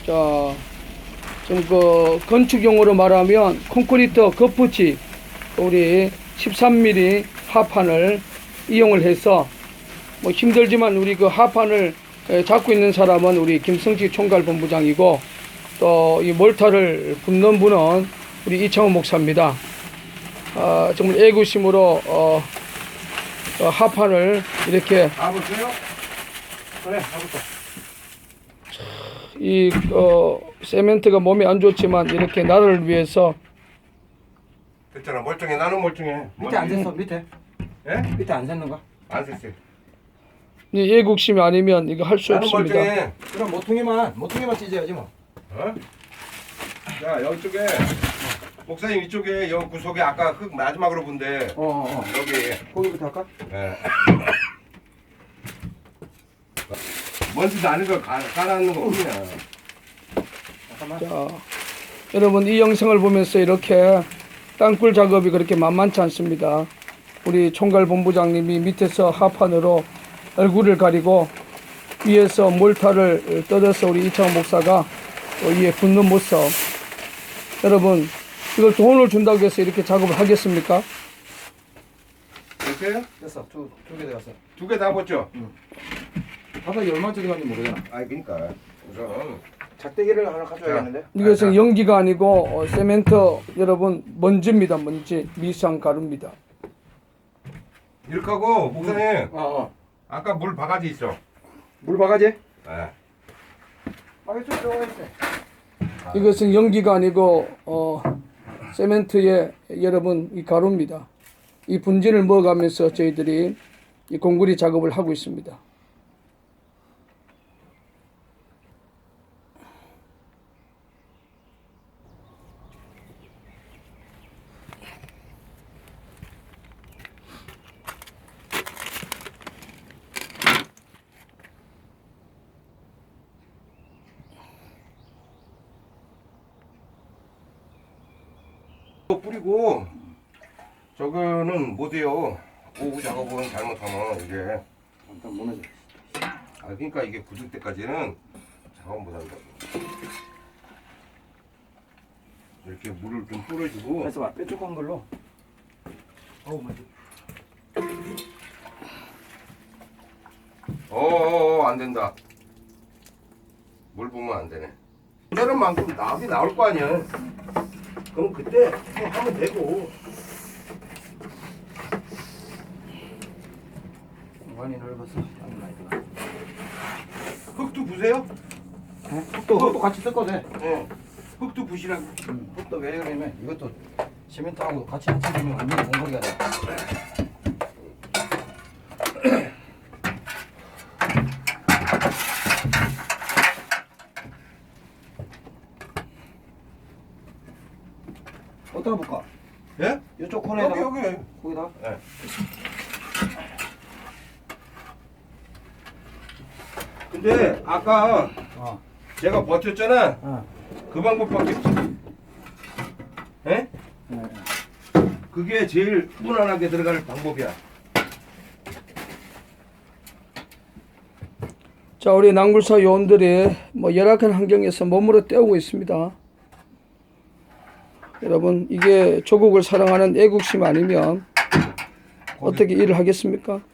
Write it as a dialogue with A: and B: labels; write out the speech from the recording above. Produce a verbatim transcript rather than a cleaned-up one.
A: 자, 좀 그 건축용어로 말하면 콘크리트 겉붙이 우리 십삼 밀리미터 하판을 이용을 해서 뭐 힘들지만 우리 그 하판을 잡고 있는 사람은 우리 김성식 총괄본부장이고 또 이 몰타를 붓는 분은 우리 이창호 목사입니다. 아, 정말 애구심으로 어, 어, 하판을 이렇게
B: 가볼게요. 그래, 가볼까.
A: 이 어, 세멘트가 몸에 안 좋지만 이렇게 나를 위해서
B: 됐잖아. 멀쩡해. 나는 멀쩡해.
C: 밑에 안 샜어 밑에
B: 예?
C: 밑에 안 샜는 거?
B: 안 샜어요.
A: 이 애국심이 아니면 이거 할 수
B: 나는
A: 없습니다.
B: 멀쩡해.
C: 그럼 모퉁이만 모퉁이만 찢어야지 뭐.
B: 어? 자, 여기쪽에 목사님 이쪽에 여 구석에 아까 흙 마지막으로 본데
C: 어어 어.
B: 여기
C: 거기부터 할까?
B: 예. 먼지 나는 거 가- 깔아놓는 거 뿐이야.
C: 잠깐만.
A: 자, 여러분 이 영상을 보면서 이렇게 땅굴 작업이 그렇게 만만치 않습니다. 우리 총괄본부장님이 밑에서 하판으로 얼굴을 가리고 위에서 몰타를 뜯어서 우리 이창호 목사가 위에 붓는 모습. 여러분 이걸 돈을 준다고 해서 이렇게 작업을 하겠습니까?
B: 됐어요?
C: 됐어. 두두개 들어갔어.
B: 두 개 다 봤죠?
C: 바닥이 얼마짜리 간지 모르잖아.
B: 아, 그러니까 우선
C: 작대기를 하나 가져야겠는데.
A: 이것은 연기가 아니고 어, 세멘트 여러분 먼지입니다. 먼지 미상 가루입니다.
B: 이렇게 하고 목사님
C: 어 어.
B: 아까 물 바가지 있어.
C: 물 바가지?
B: 예.
C: 바가지 좀 들어가 있어.
A: 이것은 연기가 아니고 어, 세멘트의 여러분 이 가루입니다. 이 분진을 먹어가면서 저희들이 이 공구리 작업을 하고 있습니다.
B: 뿌리고 저거는 못해요. 오후 작업은 잘못하면 이게
C: 일단 무너져.
B: 아 그러니까 이게 굳을 때까지는 작업 못한다고. 이렇게 물을 좀 뿌려주고.
C: 그래서 막 뾰족한 걸로. 어우 맞아.
B: 어어어 안 된다. 물 부으면 안 되네. 이런 만큼 나비 나올 거 아니야. 그럼 그때 또 하면 되고.
C: 공간이 넓어서 땀이 많이 들어.
B: 흙도 부세요?
C: 흙도 흙도 같이 섞어도 돼.
B: 예. 흙도 부시라고.
C: 음, 흙도 왜 그러냐면 이것도 시멘트하고 같이 합치면 완전히 공거리가 돼. 어디다 볼까?
B: 예?
C: 이쪽 코너에다가
B: 여기 여기.
C: 거기다.
B: 예. 근데 아까
C: 어.
B: 제가 버텼잖아.
C: 어.
B: 그 방법밖에 없어. 예?
C: 네.
B: 그게 제일 무난하게 들어갈 방법이야.
A: 자, 우리 낭굴사 요원들이 뭐 열악한 환경에서 몸으로 때우고 있습니다. 여러분 이게 조국을 사랑하는 애국심 아니면 어떻게 일을 하겠습니까?